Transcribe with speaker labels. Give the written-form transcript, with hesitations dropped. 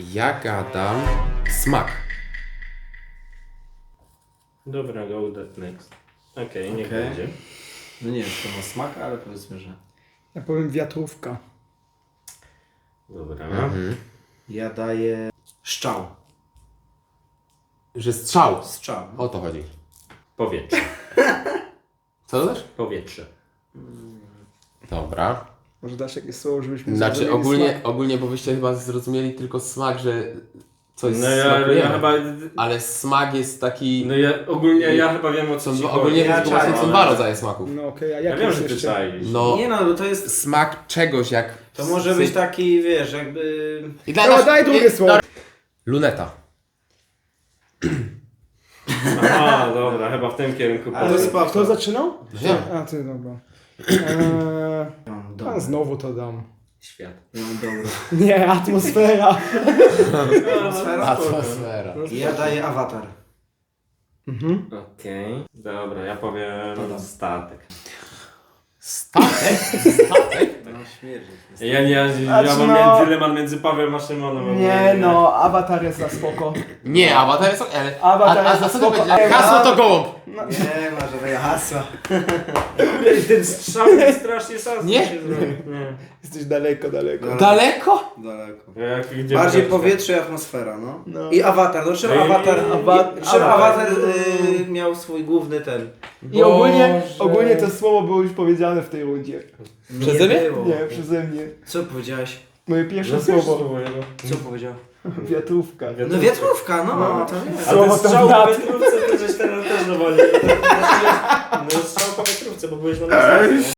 Speaker 1: Ja gadam smak.
Speaker 2: Dobra, go that next. Okej, niech
Speaker 3: Okej.
Speaker 2: będzie.
Speaker 3: No nie wiem, czy to ma smak, ale powiedzmy, że...
Speaker 4: Ja powiem wiatrówka.
Speaker 2: Dobra.
Speaker 3: Ja daję... Szczał.
Speaker 1: Że strzał.
Speaker 3: Strzał.
Speaker 1: O to chodzi.
Speaker 2: Powietrze.
Speaker 1: Co to też?
Speaker 2: Powietrze.
Speaker 1: Dobra.
Speaker 4: Może dasz jakieś słowo, żebyśmy
Speaker 1: Znaczy
Speaker 4: zrozumieli smak?
Speaker 1: ogólnie, bo byście chyba zrozumieli tylko smak, że coś
Speaker 2: No ja
Speaker 1: smakujemy.
Speaker 2: chyba...
Speaker 1: Ale smak jest taki...
Speaker 2: No ja ogólnie ja chyba wiem o co ci
Speaker 1: ogólnie
Speaker 2: chodzi.
Speaker 1: to właśnie są dwa rodzaje smaków.
Speaker 4: No okej, a
Speaker 2: Ja
Speaker 4: jak
Speaker 2: wiem,
Speaker 4: jest
Speaker 2: że ty
Speaker 4: jeszcze?
Speaker 2: czaisz.
Speaker 1: No,
Speaker 3: Nie no, bo to jest...
Speaker 1: smak czegoś jak...
Speaker 3: To może być taki, wiesz, jakby...
Speaker 1: I dla
Speaker 4: No,
Speaker 1: nas-
Speaker 4: daj drugie słowo.
Speaker 1: Luneta.
Speaker 2: Aha, dobra, chyba w tym kierunku
Speaker 3: Ale
Speaker 2: powiem.
Speaker 3: spoko.
Speaker 4: Kto zaczynał?
Speaker 1: Ja.
Speaker 4: A ty, dobra.
Speaker 3: Ja mam
Speaker 4: A
Speaker 3: dobra.
Speaker 4: znowu to dam.
Speaker 2: Świat.
Speaker 3: Ja mam dobra.
Speaker 4: Nie, atmosfera.
Speaker 3: Atmosfera?
Speaker 1: Atmosfera.
Speaker 3: Ja daję awatar.
Speaker 4: Mhm.
Speaker 2: Okej. Dobra, ja powiem
Speaker 3: Dobra.
Speaker 2: statek.
Speaker 1: Statek? Statek?
Speaker 3: No śmierdzi.
Speaker 2: Ja mam dylemat między Pawłem a Szymonem.
Speaker 4: Nie no, awatar jest za spoko.
Speaker 1: Nie, awatar jest... Ale,
Speaker 4: Awatar
Speaker 1: a
Speaker 4: jest
Speaker 1: za
Speaker 4: za
Speaker 1: co to
Speaker 4: spoko.
Speaker 1: będzie? Hasło to gołąb.
Speaker 3: Nie ma żadnego hasła.
Speaker 2: Ten strzał mi strasznie sam
Speaker 1: Nie?
Speaker 2: się zrobił. Nie.
Speaker 4: Jesteś daleko.
Speaker 3: No.
Speaker 1: Daleko?
Speaker 3: Daleko.
Speaker 2: Gdzie
Speaker 3: Bardziej
Speaker 2: byłeś?
Speaker 3: powietrze i atmosfera, no.
Speaker 4: No.
Speaker 3: I awatar. No czym
Speaker 2: No i-
Speaker 3: awatar... Czym
Speaker 4: awatar.
Speaker 3: awatar miał swój główny ten...
Speaker 4: I ogólnie
Speaker 2: Boże.
Speaker 4: to słowo było już powiedziane w tej rundzie.
Speaker 1: Przeze mnie?
Speaker 3: było.
Speaker 4: Nie, przeze mnie.
Speaker 3: Co powiedziałeś?
Speaker 4: Moje pierwsze
Speaker 2: No
Speaker 4: słowo.
Speaker 2: słowo.
Speaker 3: Co powiedział?
Speaker 4: Wiatrówka.
Speaker 3: No wiatrówka, no.
Speaker 4: No.
Speaker 3: To nie.
Speaker 2: A
Speaker 4: Słowo
Speaker 2: ty
Speaker 4: to
Speaker 2: strzał
Speaker 4: brat.
Speaker 2: po wiatrówce to żeś teraz też dowoli. No strzał po wiatrówce, bo byłeś na nas.